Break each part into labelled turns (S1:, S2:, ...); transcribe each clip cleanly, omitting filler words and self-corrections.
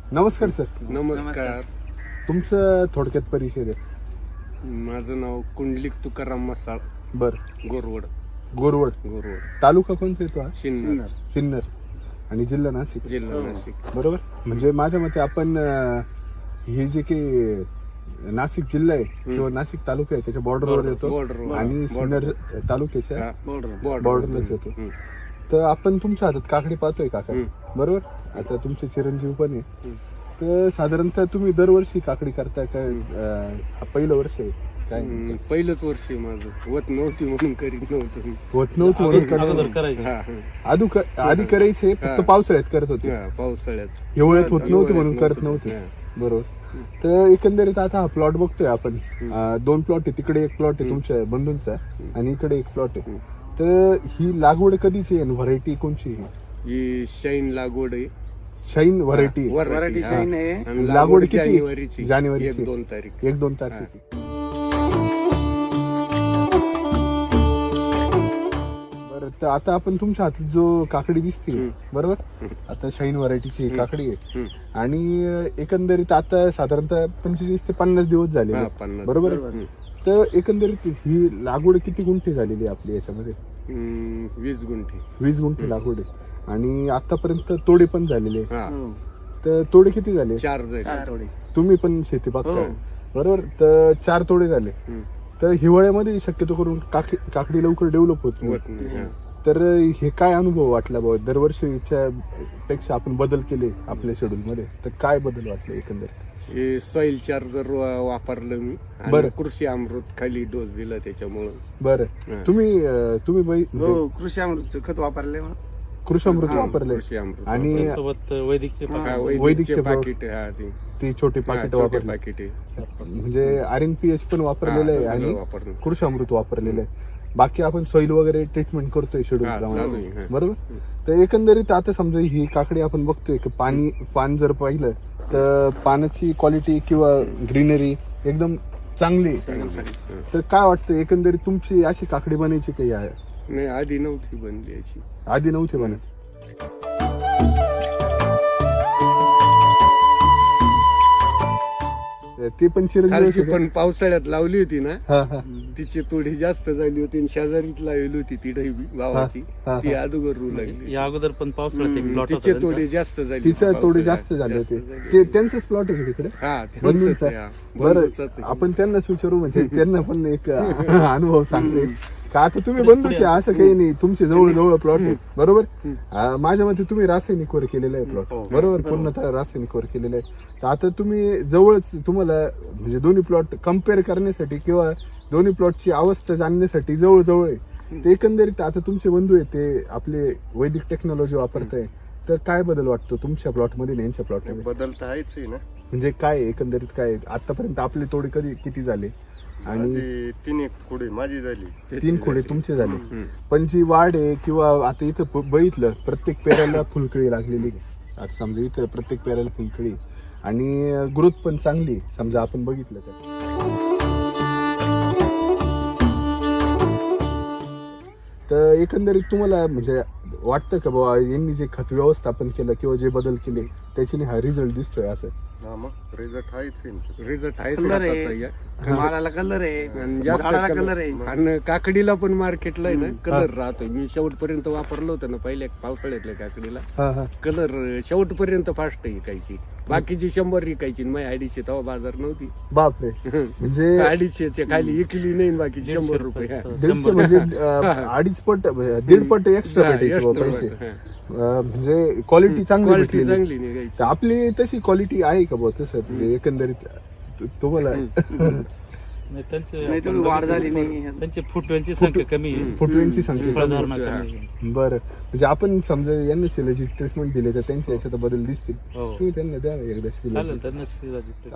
S1: नमस्कार सर.
S2: नमस्कार.
S1: तुमचं थोडक्यात परिचय द्या.
S2: माझं नाव कुंडलिक तुकाराम मसाळ.
S1: बर.
S2: गोरवड.
S1: गोरवड. तालुका कोणता येतो हा?
S2: सिन्नर.
S1: सिन्नर. आणि जिल्हा नाशिक.
S2: जिल्हा नाशिक.
S1: बरोबर. म्हणजे माझ्या मते आपण हे जे काही नाशिक जिल्हा आहे किंवा नाशिक तालुका आहे त्याच्या बॉर्डरवर येतो आणि सिन्नर तालुक्याच्या बॉर्डरलाच येतो. तर आपण तुमच्या हातात काकडी पाहतोय काका, बरोबर. आता तुमचे चिरंजीव पण आहे. तर साधारणतः तुम्ही दरवर्षी काकडी करताय काय? पहिलं वर्ष आहे काय?
S2: पहिलंच वर्ष आहे माझं. होत नव्हती म्हणून करीत नव्हतं.
S1: होत नव्हतं म्हणून आधी करायचे, फक्त पावसाळ्यात करत होते.
S2: पावसाळ्यात.
S1: हिवाळ्यात होत नव्हते म्हणून करत नव्हते. बरोबर. तर एकंदरीत आता हा प्लॉट बघतोय आपण. 2 प्लॉट आहे. तिकडे एक प्लॉट आहे तुमच्या बंधूंचा आणि इकडे एक प्लॉट आहे. तर ही लागवड कधीची आहे? व्हरायटी कोणची आहे?
S2: ही शाईन लागवड आहे.
S1: Shine variety.
S3: व्हरायटी शाईन आहे.
S1: लागवड किती?
S2: जानेवारीची.
S1: जानेवारीची.
S2: 1-2 तारीख.
S1: 1-2 तारखेची. बरं. तर आता आपण तुमच्या हातात जो काकडी दिसते, बरोबर, आता शाईन व्हरायटीची काकडी आहे आणि एकंदरीत आता साधारणतः 25 ते 50 दिवस झाले, बरोबर. तर एकंदरीत ही लागवड किती गुंठे झालेली आहे आपली याच्यामध्ये?
S2: 20 गुंठे.
S1: 20 गुंठे लागवड आहे आणि आतापर्यंत तोडे पण झालेले. तर तोडे किती झाले?
S2: 4 झाले.
S1: तुम्ही पण शेती बघताय, बरोबर. तर 4 तोडे झाले. तर हिवाळ्यामध्ये शक्यतो करून काकडी लवकर डेव्हलप होत नाही. तर हे काय अनुभव वाटला बाबा? दरवर्षीच्या पेक्षा आपण बदल केले आपल्या शेड्यूल मध्ये, तर काय बदल वाटले एकंदरीत?
S2: हे सॉइल चार्जर वापरलं मी.
S1: बरं.
S2: कृषी अमृत खाली डोस दिला त्याच्यामुळं.
S1: बरं. तुम्ही
S3: कृषी अमृतचं खत वापरले.
S1: कृषी अमृत वापरले आणि वैदिकचे
S2: पाकिट.
S1: ती छोटी पाकिट वापरले. म्हणजे RNPH पण वापरलेलं आहे आणि कृषी अमृत वापरलेलं आहे. बाकी आपण सॉइल वगैरे ट्रीटमेंट करतोय शेड्यूल प्रमाणे, बरोबर. तर एकंदरीत आता समजा ही काकडी आपण बघतोय की पान जर पाहिलं तर पाण्याची क्वालिटी किंवा ग्रीनरी एकदम चांगली. तर काय वाटतं एकंदरीत तुमची अशी काकडी बनायची काही आहे?
S2: नाही, आधी नव्हती बनली अशी.
S1: आधी नव्हती बनत. ते पण चिरंजीव
S2: पण पावसाळ्यात लावली होती ना, तिची थोडी जास्त झाली होती. शेजारीच लावली होती ती ढैबी भावाची, ती अगोदर रू लागली.
S4: या अगोदर पण पावसाळ्यात
S2: तिचे थोडे जास्त झाले.
S1: तिचे थोडे जास्त झाले होते. ते त्यांचंच प्लॉट आहे तिकडे. बरं. आपण त्यांनाच विचारू, म्हणजे त्यांना पण एक अनुभव सांगते का. आता तुम्ही बंधूचे असं काही नाही, तुमचे जवळ प्लॉट आहे, बरोबर. माझ्या मते तुम्ही रासायनिकवर केलेलं आहे प्लॉट, बरोबर. पूर्णतः रासायनिकवर केलेलं आहे. तर आता तुम्ही जवळच, तुम्हाला म्हणजे दोन्ही प्लॉट कम्पेअर करण्यासाठी किंवा दोन्ही प्लॉटची अवस्था जाणण्यासाठी जवळ आहे. ते एकंदरीत आता तुमचे बंधू आहेत ते आपले वैदिक टेक्नॉलॉजी वापरताय, तर काय बदल वाटतो तुमच्या प्लॉटमध्ये आणि यांच्या प्लॉटमध्ये?
S5: बदल तर आहेच आहे ना.
S1: म्हणजे काय एकंदरीत काय आतापर्यंत आपले तोडे किती झाले?
S5: आणि 3 खोडे माझी झाली.
S1: 3 खोडे तुमचे झाले. पण जी वाढ आहे किंवा आता इथं बघितलं प्रत्येक पेराला फुलकळी लागलेली. आता समजा इथं प्रत्येक पेराला फुलकळी आणि ग्रोथ पण चांगली समजा आपण बघितलं तर एकंदरीत तुम्हाला म्हणजे वाटतं का बाबा यांनी जे खत व्यवस्थापन केलं किंवा जे बदल केले त्याच्याने हा रिझल्ट दिसतोय असं?
S5: रिझल्ट
S2: आहेच.
S3: मालाला कलर आहे, कलर आहे
S2: आणि काकडीला पण मार्केटला आहे ना कलर राहतोय. मी शेवटपर्यंत वापरलं होतं ना पहिल्या पावसाळ्यातल्या काकडीला. कलर शेवटपर्यंत फास्ट विकायची. बाकीची 100 विकायची, मग 250 तेव्हा बाजार नव्हती.
S1: बापरे. म्हणजे
S2: 250च्या खाली विकली नाही, बाकीची 100 रुपये.
S1: 150 म्हणजे 2.5 पट 1.5 पट एक्स्ट्रा भेटायचे पैसे. म्हणजे क्वालिटी चांगली
S2: निघायची.
S1: आपली तशी क्वालिटी आहे का बुवा तसं? म्हणजे एकंदरीत तुम्हाला
S3: वाढ झाली नाही,
S4: त्यांची फुटव्यांची संख्या कमी आहे.
S1: फुटव्यांची संख्या
S4: फळधारणा कमी आहे.
S1: बरं. म्हणजे आपण समजा यांना शिलाची ट्रीटमेंट दिली तर त्यांच्या याच्यात बदल दिसतील. तुम्ही त्यांना द्या एकदा
S4: चालेल, त्यांना शिलाची.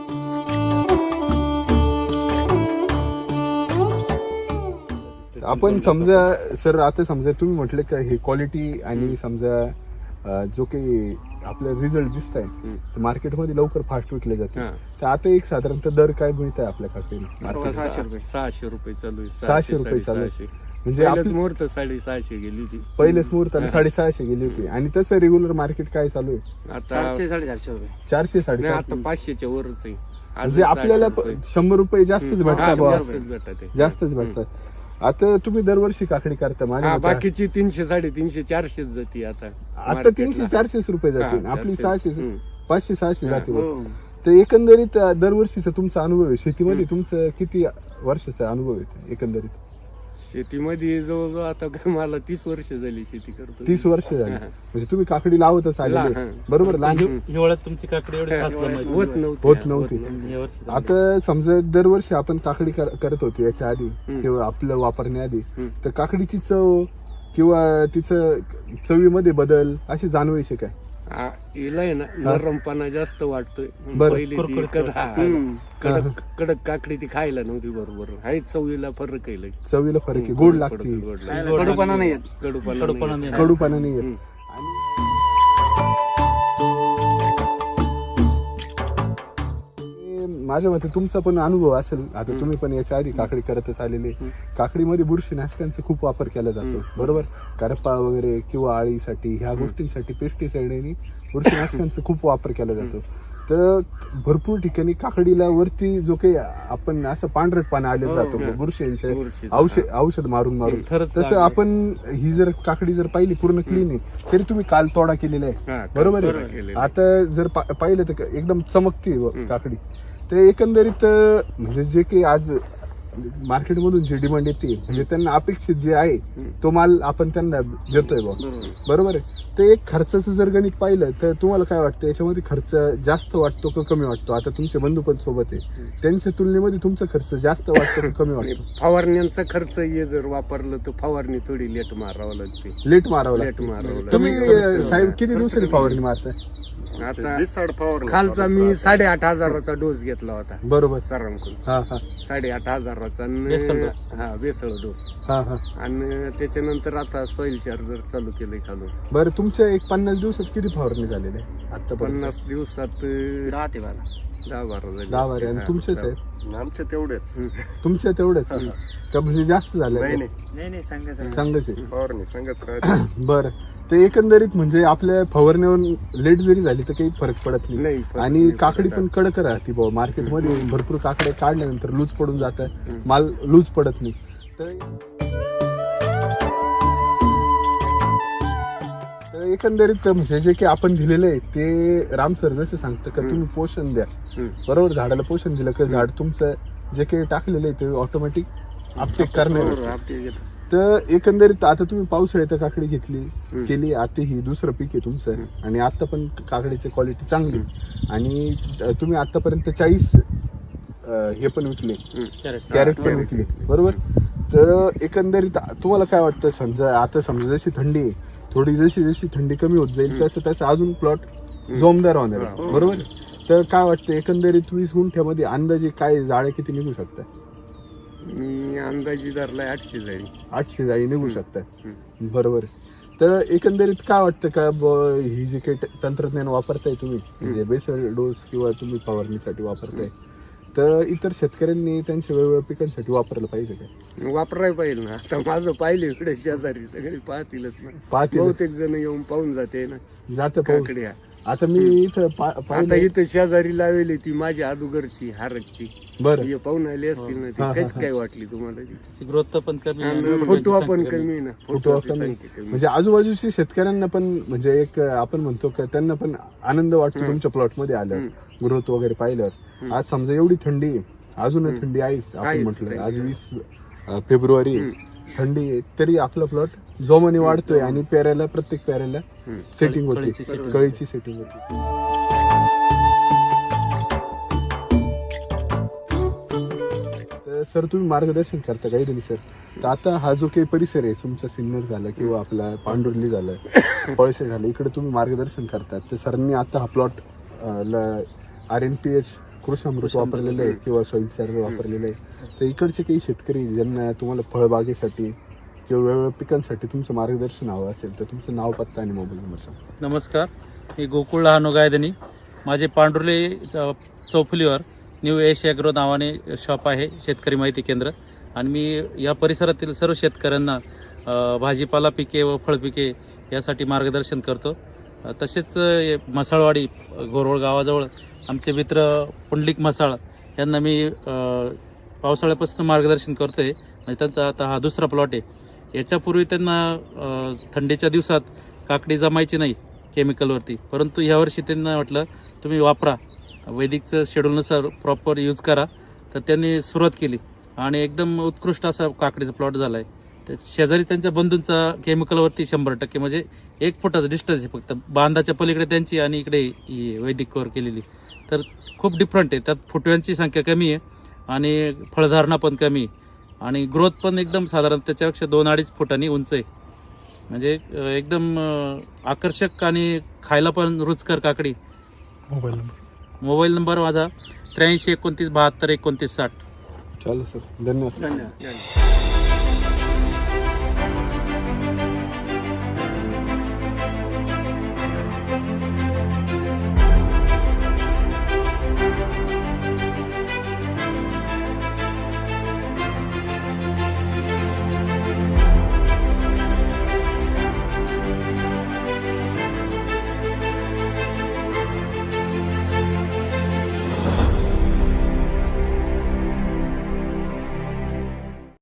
S1: आपण समजा सर आता समजा तुम्ही म्हटले का हे क्वालिटी आणि समजा जो काही आपल्याला रिझल्ट दिसत आहे मार्केटमध्ये लवकर फास्ट विकले जाते. तर आता एक साधारणतः दर काय मिळत आहे आपल्या काकडीला?
S2: 600 रुपये चालू आहे.
S1: 600 रुपये चालू आहे. म्हणजे
S2: पहिल्याच
S1: आपली
S2: मुहूर्त 650 गेली होती.
S1: पहिलेच मुहूर्ताला 650 गेली होती. आणि तसं रेग्युलर मार्केट काय चालू आहे?
S2: आता
S3: 400-450 रुपये.
S1: 400
S2: नाही,
S1: 450.
S2: आता 500च्या वरच आहे. आज
S1: म्हणजे आपल्याला
S2: 600 रुपये.
S1: 100 रुपये जास्तच
S2: हा,
S1: भेटतात बुवा.
S2: जास्तच भेटतात ते.
S1: जास्तच भेटतात. आता तुम्ही दरवर्षी काकडी करता माझ्या
S2: हा,
S1: मते.
S2: बाकीची 300, 350, 400 जाती आता
S1: आता
S2: market
S1: 300
S2: ला.
S1: 400 रुपये जातील.
S2: हा,
S1: आपली
S2: 400.
S1: 600 500 600 जाते बुवा.
S3: हो.
S1: तर एकंदरीत दरवर्षीचा तुमचा अनुभव आहे शेतीमध्ये, तुमचं किती वर्षाचा अनुभव आहे एकंदरीत?
S2: शेतीमध्ये जवळजवळ आता काय मला 30 वर्ष झाली शेती करतो.
S1: 30 वर्ष झाली. म्हणजे तुम्ही काकडी लावतच आलेले,
S2: हा.
S1: बरोबर? लहान
S4: हिवाळ्यात तुमची काकडी एवढी खास जमायची.
S2: होत नव्हती.
S1: होत नव्हती.
S4: या वर्षी
S1: आता समजा दरवर्षी आपण काकडी करत होतो याच्या आधी किंवा आपलं वापरण्याआधी, तर काकडीची चव किंवा तिचं चवीमध्ये बदल अशी जाणवायचे काय?
S2: हिला आहे ना नरमपणा जास्त वाटतोय.
S1: बरं.
S2: पहिली ती कडक कडक काकडी ती खायला नव्हती बरोबर. आहे चवीला फरक आहे लय.
S1: चवीला फरक आहे, गोड लागते,
S2: गोड लागते.
S3: कडूपणा नाही येत.
S2: कडूपणा नाही.
S1: कडूपणा नाही येत. माझ्या मते तुमचा पण अनुभव असेल, आता तुम्ही पण याच्या आधी काकडी करतच आलेले. काकडीमध्ये बुरशीनाशकांचा खूप वापर केला जातो, बरोबर? करपा वगैरे किंवा आळीसाठी ह्या गोष्टींसाठी पेस्टिसाइड आणि बुरशीनाशकांचा खूप वापर केला जातो. तर भरपूर ठिकाणी काकडीला वरती जो काही आपण असं पांढरटपणा आलेला राहतो बुरशींचे औषध मारून मारून, तसं आपण ही जर काकडी जर पाहिली पूर्ण क्लीन आहे, तरी तुम्ही काल तोडा केलेला आहे, बरोबर आहे? आता जर पाहिलं तर एकदम चमकते काकडी. तर एकंदरीत म्हणजे जे काही आज मार्केटमधून जे डिमांड येते, म्हणजे त्यांना अपेक्षित जे आहे तो माल आपण त्यांना देतोय बरोबर आहे. ते एक खर्चाचं जर गणित पाहिलं तर तुम्हाला काय वाटतं, याच्यामध्ये खर्च जास्त वाटतो का कमी वाटतो? आता तुमचे बंधू पण सोबत आहे, त्यांच्या तुलनेमध्ये तुमचा खर्च जास्त वाटतो का कमी वाटतो?
S2: फवारण्यांचा खर्च हे जर वापरलं तर फवारणी थोडी लेट मारावं लागते.
S1: लेट मारावं
S2: लेट
S1: लागतं.
S2: मारावं लागते.
S1: तुम्ही साहेब किती दिवसांनी फवारणी मारताय?
S2: आता
S5: दिसाड फवारणी
S2: खालचा मी 8,500चा डोस घेतला होता
S1: बरोबर.
S2: सरांकडून.
S1: हा हा
S2: 8,500चा हा बेसळ डोस.
S1: हा हा.
S2: आणि त्याच्यानंतर आता सॉइल चार्जर चालू केलंय खालून.
S1: बरं, तुमच्या एक 50 दिवसात किती फवारणी झालेली आहे आता?
S2: 50 दिवसात
S3: 10 ते 12.
S2: 10-12 झाली.
S1: 10-12. आणि तुमचेच आहे?
S5: आमच्या तेवढेच
S1: तुमच्या तेवढंच का म्हणजे जास्त झालं?
S5: नाही
S3: नाही सांगायचं.
S1: चांगलंच आहे.
S5: फवारणी सांगत राहते.
S1: बरं, ते एकंदरीत म्हणजे आपल्या फवारण्यावर लेट जरी झाली तर काही फरक पडत
S2: नाही,
S1: नाही.
S2: फरक
S1: आणि
S2: नाही
S1: काकडी
S2: पडत.
S1: पण कडक राहते भाऊ. मार्केटमध्ये भरपूर काकड्या काढल्यानंतर लूज पडून जात, माल लूज पडत नाही. तर एकंदरीत म्हणजे जे काही आपण दिलेलं आहे ते राम सर जसं सांगतं का तुम्ही पोषण द्या, बरोबर? झाडाला पोषण दिलं का झाड तुमचं जे काही टाकलेलं आहे ते ऑटोमॅटिक अपटेक करणार. तर एकंदरीत आता तुम्ही पावसाळ्यात काकडी घेतली केली, आता ही दुसरं पीक आहे तुमचं, आणि आता पण काकडीची क्वालिटी चांगली, आणि तुम्ही आतापर्यंत 40 हे पण विकले, कॅरेट पण विकले, बरोबर? तर एकंदरीत तुम्हाला काय वाटतं, समजा जशी थंडी आहे, थोडी जशी थंडी कमी होत जाईल तसं अजून प्लॉट जोमदार होणार आहे, बरोबर? तर काय वाटतं एकंदरीत 20 गुंठ्यामध्ये अंदाजे काय जाळ्या किती निघू शकतात?
S2: मी अंदाजी धरलाय 800 जाळी.
S1: 800 जाळी निघू शकतात, बरोबर. तर एकंदरीत काय वाटतं का ही जे काही तंत्रज्ञान वापरताय तुम्ही, म्हणजे बेसल डोस किंवा तुम्ही फवारणीसाठी वापरताय, तर इतर शेतकऱ्यांनी त्यांच्या वेगवेगळ्या पिकांसाठी वापरायला पाहिजे का?
S2: वापरायला पाहिजे ना. आता माझं पाहिले इकडे शेजारी सगळे पाहतीलच ना,
S1: पाहतील.
S2: बहुतेक जण येऊन पाहून जाते ना
S1: जातं पाहून.
S2: काकडी.
S1: आता मी इथं
S2: आता
S1: पाहिलं.
S2: इथं शेजारी लावली ती माझी अदुगरची हारकची,
S1: बरं,
S2: हे पाहून आले असतील ना. ती कशी काय वाटली तुम्हाला ती?
S4: ग्रोथ पण कमी आहे.
S2: आणि फोटो पण कमी ना,
S1: फोटो
S2: फोटोची संख्या कमी.
S1: म्हणजे आजूबाजूच्या शेतकऱ्यांना पण म्हणजे एक आपण म्हणतो का त्यांना पण आनंद वाटतो तुमच्या प्लॉट मध्ये आल्यावर, ग्रोथ वगैरे पाहिल्यावर. आज समजा एवढी थंडी आहे, अजून थंडी आहेच, आपण म्हटलं आज 20 फेब्रुवारी थंडी आहे, तरी आपला प्लॉट जोमाने वाढतोय आणि पेरायला प्रत्येक पेरायला सेटिंग होते, कळीची सेटिंग होती. तर सर तुम्ही मार्गदर्शन करता काही दिली सर. तर आता हा जो काही परिसर आहे तुमचा सिन्नर झाला किंवा आपला पांडुर्ली झालं, पळसे झालं, इकडे तुम्ही मार्गदर्शन करतात. तर सरांनी आता हा प्लॉट RNPH कृषामृत वापरलेलं आहे किंवा सॉइल चार्जर वापरलेलं आहे. तर इकडचे काही शेतकरी ज्यांना तुम्हाला फळबागेसाठी किंवा वेगवेगळ्या पिकांसाठी तुमचं मार्गदर्शन हवं असेल तर तुमचं नाव, पत्ता आणि मोबाईल नंबर सांगा.
S4: नमस्कार, मी गोकुळ लहानो गायदनी. माझे पांढुर्ली चौफुलीवर न्यू एश ॲग्रो नावाने शॉप आहे, शेतकरी माहिती केंद्र. आणि मी या परिसरातील सर्व शेतकऱ्यांना भाजीपाला पिके व फळपिके यासाठी मार्गदर्शन करतो. तसेच मसाळवाडी गोरवळ गावाजवळ आमचे मित्र पुंडलिक मसाळ यांना मी पावसाळ्यापासून मार्गदर्शन करतोय. म्हणजे त्यांचा आता हा दुसरा प्लॉट आहे. याच्यापूर्वी त्यांना थंडीच्या दिवसात काकडी जमायची नाही केमिकलवरती, परंतु यावर्षी त्यांना म्हटलं तुम्ही वापरा, वैदिकचं शेड्यूलनुसार प्रॉपर यूज करा. तर त्यांनी सुरुवात केली आणि एकदम उत्कृष्ट असा काकडीचा प्लॉट झाला आहे. तर शेजारी त्यांच्या बंधूंचा केमिकलवरती 100% म्हणजे 1 फुटाचं डिस्टन्स आहे फक्त, बांधाच्या पलीकडे त्यांची आणि इकडे ही वैदिक कव्हर केलेली. तर खूप डिफरंट आहे. त्यात फुटव्यांची संख्या कमी आहे आणि फळधारणा पण कमी आहे आणि ग्रोथ पण एकदम साधारण त्याच्यापेक्षा 2-2.5 फुटांनी उंच आहे. म्हणजे एकदम आकर्षक आणि खायला पण रुचकर काकडी. मोबाईल नंबर माझा 83 29 72 29 60.
S1: चालेल सर, धन्यवाद.
S2: धन्यवाद.